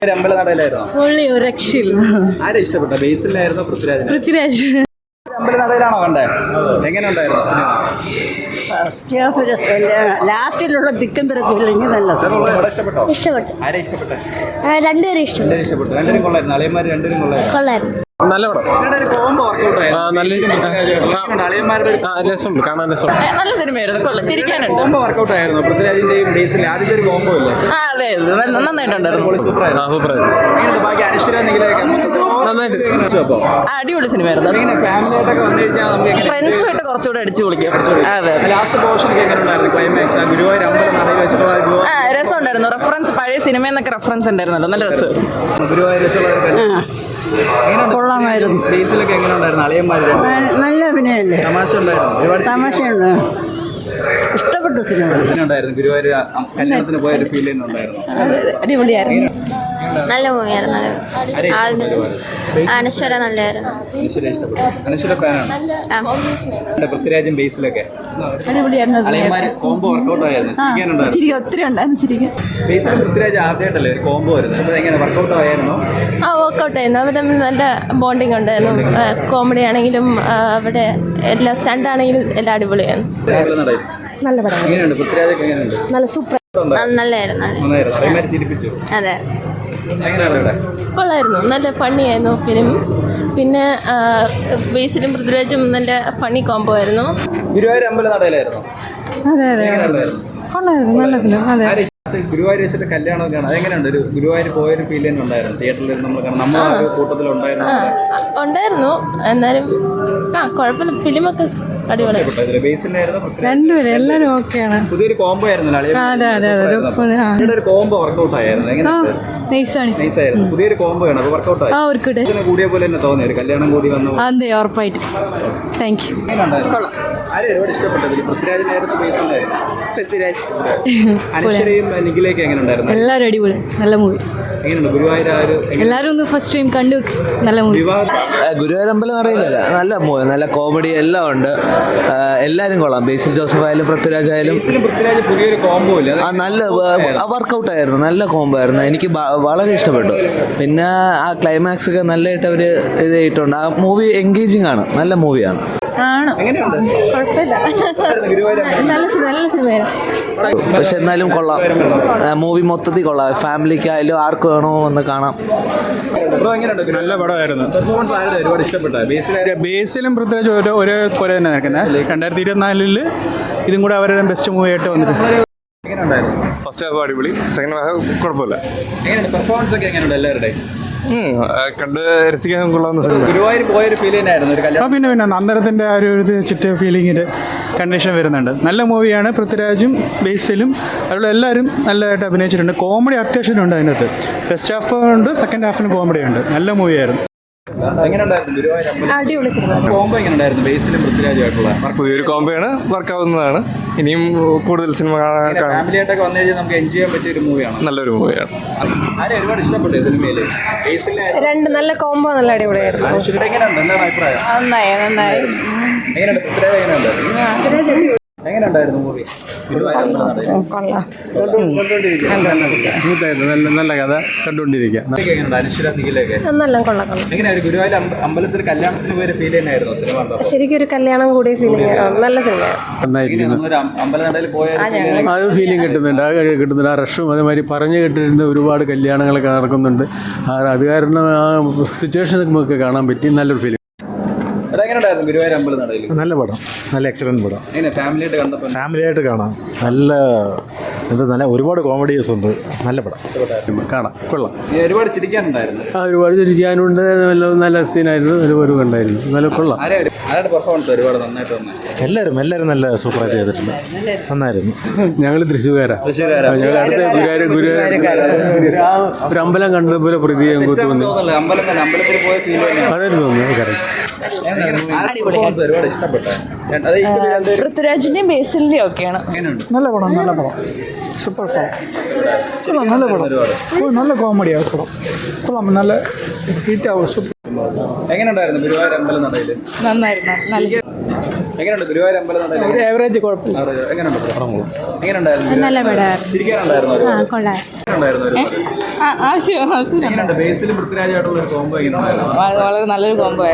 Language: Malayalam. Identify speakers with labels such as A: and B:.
A: അമ്പലനടയിലായിരുന്നു.
B: പുള്ളി ഒരു രക്ഷയില്ല.
A: ആരെ ഇഷ്ടപ്പെട്ട? ബേസിലായിരുന്നോ പൃഥ്വിരാജ്?
B: പൃഥ്വിരാജ്.
A: അമ്പലനടയിലാണോ കണ്ടേ? എങ്ങനെ ഉണ്ടായിരുന്നു സിനിമ?
C: ഫസ്റ്റ് ഹാഫ് ലാസ്റ്റിലുള്ള തിക്കും തിരക്കും ഇല്ലെങ്കിൽ നല്ല
A: ഇഷ്ടപ്പെട്ടോ?
D: ഇഷ്ടപ്പെട്ടു.
A: ആരെ ഇഷ്ടപ്പെട്ടെ?
D: രണ്ടുപേരും ഇഷ്ടപ്പെട്ടു.
A: ഇഷ്ടപ്പെട്ടു. രണ്ടുപേരും കൊള്ളായിരുന്നു. അളിയന്മാർ രണ്ടുപേരും കൊള്ളായിരുന്നു.
D: കൊള്ളായിരുന്നു.
E: നല്ല പടം.
A: കോംബോ വർക്കൗട്ട്
B: നല്ല സിനിമയായിരുന്നു. കൊള്ളാം, ചിരിക്കാനുണ്ട്.
A: കോംബോ വർക്കൗട്ട് ആയിരുന്നു. പൃഥ്വിരാജിന്റെയും ബേസിൽ ആദ്യത്തെ ഒരു കോംബോ ഇല്ലേ?
B: അതെ, നന്നായിട്ടുണ്ടായിരുന്നു.
A: ബാക്കി അനശ്വര നിഖിലൊക്കെ
B: അടിപൊളി സിനിമയായിരുന്നു.
A: ഫാമിലിയായിട്ടൊക്കെ വന്നു കഴിഞ്ഞാൽ നമുക്ക്
B: ഫ്രണ്ട്സുമായിട്ട് കുറച്ചുകൂടെ അടിച്ചു പൊളിക്കാം. അതെ,
A: ലാസ്റ്റ് പോർഷനൊക്കെ എങ്ങനെ ഉണ്ടായിരുന്നു? ക്ലൈമാക്സ് ഗുരുവായൂർ അമ്പലനടയിൽ വെച്ചിട്ടുള്ള
B: രസമുണ്ടായിരുന്നു. റെഫറൻസ് പഴയ സിനിമയെന്നൊക്കെ റെഫറൻസ് ഉണ്ടായിരുന്നല്ലോ, നല്ല രസം.
A: ഗുരുവായൂർ വെച്ചുള്ള
C: കൊള്ളാമായിരുന്നു.
A: ബേസിലൊക്കെ എങ്ങനെ ഉണ്ടായിരുന്നു? അളിയന്മാർ
C: നല്ല അഭിനയല്ലേ,
A: തമാശ ഉണ്ടായിരുന്നു. ഒരുപാട്
C: തമാശയുണ്ട്. ഇഷ്ടപ്പെട്ടു സിനിമ.
A: ഉണ്ടായിരുന്നു. ഗുരുവായൂർ കല്യാണത്തിന് പോയ ഒരു ഫീൽ ഉണ്ടായിരുന്നു.
C: അടിപൊളിയായിരുന്നു.
D: നല്ല മൂവിയായിരുന്നു. അനശ്വര നല്ലതായിരുന്നു.
A: അനശ്വര ഫാനാണ്. പൃഥ്വിരാജും ബേസിലൊക്കെ
C: അടിപൊളിയായിരുന്നു.
A: അളിയന്മാർ കോംബോ വർക്കൗട്ട് ആയിരുന്നു.
C: ഒത്തിരി ഉണ്ടായിരുന്നു ചിരിക്കാൻ.
A: ബേസിലും പൃഥ്വിരാജ് ആദ്യമായിട്ടല്ലേ ഒരു കോംബോ വരുന്നത്? അപ്പോൾ എങ്ങനെ വർക്കൗട്ട് ആയിരുന്നു?
F: വർക്കൗട്ട് ആയിരുന്നു. അവർ തമ്മിൽ നല്ല ബോണ്ടിങ് ഉണ്ടായിരുന്നു. കോമഡി ആണെങ്കിലും അവിടെ എല്ലാ സ്റ്റണ്ട് ആണെങ്കിലും എല്ലാം അടിപൊളിയായിരുന്നു. നല്ല പടം.
A: എങ്ങനെയുണ്ട് പൃഥ്വിരാജൊക്കെ? എങ്ങനെയുണ്ട്?
F: നല്ല സൂപ്പർ.
D: നല്ലതായിരുന്നു.
A: ചിരിപ്പിച്ചു.
D: അതെ,
A: എങ്ങനെയാണ് ഇവിടെ?
F: കൊള്ളായിരുന്നു. നല്ല ഫണ്ണി ആയിരുന്നു ഫിലിം. പിന്നെ ബേസിലും പൃഥ്വിരാജും നല്ല ഫണ്ണി കോംബോ ആയിരുന്നു.
A: ഗുരുവായൂർ അമ്പലനടയിലായിരുന്നു.
F: അതെ അതെ, കൊള്ളായിരുന്നു. നല്ല ഫിലിം. അതെ,
A: ഗുരുവായൂർ വെച്ചിട്ട് കല്യാണമൊക്കെയാണ്. അതെങ്ങനെയുണ്ട്? ഒരു ഗുരുവായൂർ പോയൊരു ഫീൽ തന്നെ ഉണ്ടായിരുന്നു. തിയേറ്ററിൽ നമ്മൾ ആ ഒരു കൂട്ടത്തിലുണ്ടായിരുന്നു.
F: എന്നാലും കുഴപ്പമില്ല. ഫിലിമൊക്കെ അടിപൊളിയായിരുന്നു.
A: രണ്ടുപേരും എല്ലാവരും ഓക്കെയാണ്. പുതിയൊരു കോംബോ ആയിരുന്നു. ഒരു കോംബോ വർക്കൗട്ട് ആയിരുന്നു. നൈസായിരുന്നു. പുതിയൊരു കോംബോ ആണ്. അത് വർക്കൗട്ട് ആയി കൂടിയ പോലെ തന്നെ തോന്നി. ഒരു കല്യാണം കൂടി വന്നു.
F: അതെ, ഉറപ്പായിട്ട്. Thank you.
A: ആരും ഒരുപാട് ഇഷ്ടപ്പെട്ടത് പൃഥ്വിരാജിനായിരുന്നു. ബേസിലായിരുന്നു
F: പൃഥ്വിരാജ്.
A: അനശ്വരയും നിഖിലയൊക്കെ എങ്ങനെ ഉണ്ടായിരുന്നു?
F: എല്ലാവരും അടിപൊളി. നല്ല മൂവി.
A: എങ്ങനെയുണ്ട് ഗുരുവായൂർ?
F: എല്ലാവരും ഒന്ന് ഫസ്റ്റ് ടൈം കണ്ടു. നല്ല മൂവി.
G: ഗുരുവായൂർ അമ്പലം അറിയില്ല. നല്ല മൂവി, നല്ല കോമഡി എല്ലാം ഉണ്ട്. എല്ലാവരും കൊള്ളാം. ബേസിൽ ജോസഫ് ആയാലും പൃഥ്വിരാജ് ആയാലും
A: പുതിയൊരു കോംബോ ഇല്ല.
G: നല്ല വർക്കൗട്ട് ആയിരുന്നു. നല്ല കോംബോ ആയിരുന്നു. എനിക്ക് വളരെ ഇഷ്ടപ്പെട്ടു. പിന്നെ ആ ക്ലൈമാക്സ് ഒക്കെ നല്ലതായിട്ട് അവർ ഇത് ചെയ്തിട്ടുണ്ട്. ആ മൂവി എൻഗേജിങ് ആണ്. നല്ല മൂവിയാണ്.
F: കുഴപ്പമില്ല. നല്ല സിനിമയായിരുന്നു.
G: പക്ഷെ എന്നാലും കൊള്ളാം. മൂവി മൊത്തത്തിൽ കൊള്ളാം. ഫാമിലിക്കായാലും ആർക്ക് വേണോ എന്ന് കാണാം.
E: നല്ല പടമായിരുന്നു.
A: ഒരുപാട് ഇഷ്ടപ്പെട്ട
E: ബേസിലും പൃഥ്വിരാജ് ഒരേ പോലെ തന്നെ നിൽക്കുന്നത്. 2024 ഇതും കൂടെ അവരുടെ ബെസ്റ്റ് മൂവി ആയിട്ട് വന്നിട്ട്.
H: ഫസ്റ്റ് ഹാഫ് അടിപൊളി, സെക്കൻഡ് ഹാഫ് കുഴപ്പമില്ല.
A: പെർഫോമൻസ് ഒക്കെ എങ്ങനെയുണ്ട് എല്ലാവരുടെയും?
H: കണ്ട് രസിക്കാൻ കൊള്ളാവുന്ന സിനിമ.
A: ഗുരുവായൂർ പോയൊരു ഫീൽ തന്നെയായിരുന്നു. ഒരു കല്യാണം
E: പിന്നെ അന്നേരത്തിൻ്റെ ആ ഒരു ചിറ്റ ഫീലിങ്ങിൻ്റെ കണ്ടീഷൻ വരുന്നുണ്ട്. നല്ല മൂവിയാണ്. പൃഥ്വിരാജും ബേസിലും അതുപോലെ എല്ലാവരും നല്ലതായിട്ട് അഭിനയിച്ചിട്ടുണ്ട്. കോമഡി അത്യാവശ്യം ഉണ്ട് അതിനകത്ത്. ഫസ്റ്റ് ഹാഫ് ഉണ്ട്, സെക്കൻഡ് ഹാഫിന് കോമഡി ഉണ്ട്. നല്ല മൂവിയായിരുന്നു.
F: അടിപൊളി സിനിമ.
A: കോംബോ എങ്ങനെയുണ്ടായിരുന്നു? ബേസിലും പൃഥ്വിരാജുമായിട്ടുള്ള
H: പുതിയൊരു കോംബോയാണ്, വർക്കാവുന്നതാണ്. ഇനിയും കൂടുതൽ സിനിമ
A: ഫാമിലിയായിട്ടൊക്കെ വന്നു കഴിഞ്ഞാൽ നമുക്ക് എൻജോയ് ചെയ്യാൻ പറ്റിയ ഒരു മൂവിയാണ്.
H: നല്ലൊരു മൂവിയാണ്.
A: ആരും ഒരുപാട് ഇഷ്ടപ്പെട്ടു സിനിമയില്.
F: രണ്ട് നല്ല കോംബോ, നല്ല അടിപൊളിയായിരുന്നു.
A: എങ്ങനെയുണ്ട്? എന്താണ് അഭിപ്രായം?
F: നന്നായി.
A: എങ്ങനെയുണ്ട് പൃഥ്വിരാജ്? എങ്ങനെയുണ്ട്? എങ്ങനെയുണ്ടായിരുന്നു മൂവി?
E: നല്ല കഥ കണ്ടുകൊണ്ടിരിക്കുക.
A: അനശ്വര നിഖിലൊക്കെ എങ്ങനെയാ? ഗുരുവായൂർ അമ്പലത്തിൽ കല്യാണത്തിന് പോയൊരു ഫീൽ തന്നെയായിരുന്നു സിനിമ.
F: ശരിക്കും ഒരു കല്യാണം കൂടി ഫീലിംഗ്. നല്ല സിനിമ.
A: അമ്പലനടയിൽ പോയ
E: അത് ഫീലിംഗ് കിട്ടുന്നുണ്ട്. ആ റഷും അതേമാതിരി പറഞ്ഞു കേട്ടിട്ടുണ്ട്. ഒരുപാട് കല്യാണങ്ങളൊക്കെ നടക്കുന്നുണ്ട്. അത് കാരണം ആ സിറ്റുവേഷൻ നമുക്ക് കാണാൻ പറ്റി. നല്ലൊരു ഫീലിംഗ്.
A: ഗുരുവായൂർ അമ്പലനടയിൽ
I: നല്ല പടം, നല്ല എക്സലന്റ് പടം.
A: ഫാമിലിയായിട്ട് കണ്ടപ്പോൾ
I: ഫാമിലിയായിട്ട് കാണാം. നല്ല ഒരുപാട് കോമഡീസ് ഉണ്ട്. നല്ല പടം കാണാം, കൊള്ളാം.
A: ഒരുപാട് ചിരിക്കാനുണ്ടായിരുന്നു.
E: ഒരുപാട് ചിരിക്കാനുണ്ട്. നല്ല സീനായിരുന്നു. ഒരുപാട് കണ്ടായിരുന്നു. നല്ല കൊള്ളാം.
A: പെർഫോമൻസ് ഒരുപാട് നന്നായിട്ട് വന്നു.
I: എല്ലാവരും നല്ല സൂപ്പറായിട്ട് ചെയ്തിട്ടുണ്ട്. നന്നായിരുന്നു.
E: ഞങ്ങൾ തൃശ്ശൂർക്കാരാണ്. ഞങ്ങൾ അടുത്ത ഒരു അമ്പലം കണ്ടതുപോലെ പ്രതി ഞങ്ങൾക്ക് തോന്നി.
A: അമ്പലത്തിൽ പോയ ഫീൽ
E: അതായിരുന്നു തോന്നുന്നു.
A: ഒരുപാട് ഇഷ്ടപ്പെട്ട
B: പൃഥ്വിരാജിന്റെയും ബേസിലിന്റെയും ഒക്കെയാണ്.
I: നല്ല പടം സൂപ്പർ പടം. നല്ല പടം. നല്ല കോമഡിയാണ് പടം. കൊള്ളാം. നല്ല ഹിറ്റ് ആവും.
A: എങ്ങനെയുണ്ടായിരുന്നു ഗുരുവായൂർ അമ്പലനടയിൽ?
B: നന്നായിരുന്നു. നല്ല
A: എങ്ങനെയുണ്ട് ഗുരുവായൂർ അമ്പലനടയിൽ?
I: ഒരു ആവറേജ് കുഴപ്പമില്ല.
A: എങ്ങനെയുണ്ടായിരുന്നു?
F: നല്ല പടമായിരുന്നു.
A: ചിരിക്കാനുണ്ടായിരുന്നു ഒരുപാട്?
F: കൊള്ളാം.
A: എങ്ങനെയുണ്ടായിരുന്നു?
F: ആവശ്യം
A: എങ്ങനെയുണ്ട് ബേസിലും പൃഥ്വിരാജായിട്ടുള്ള ഒരു കോംബോ എങ്ങനെയുണ്ടായിരുന്നു?
B: വളരെ നല്ലൊരു കോംബോ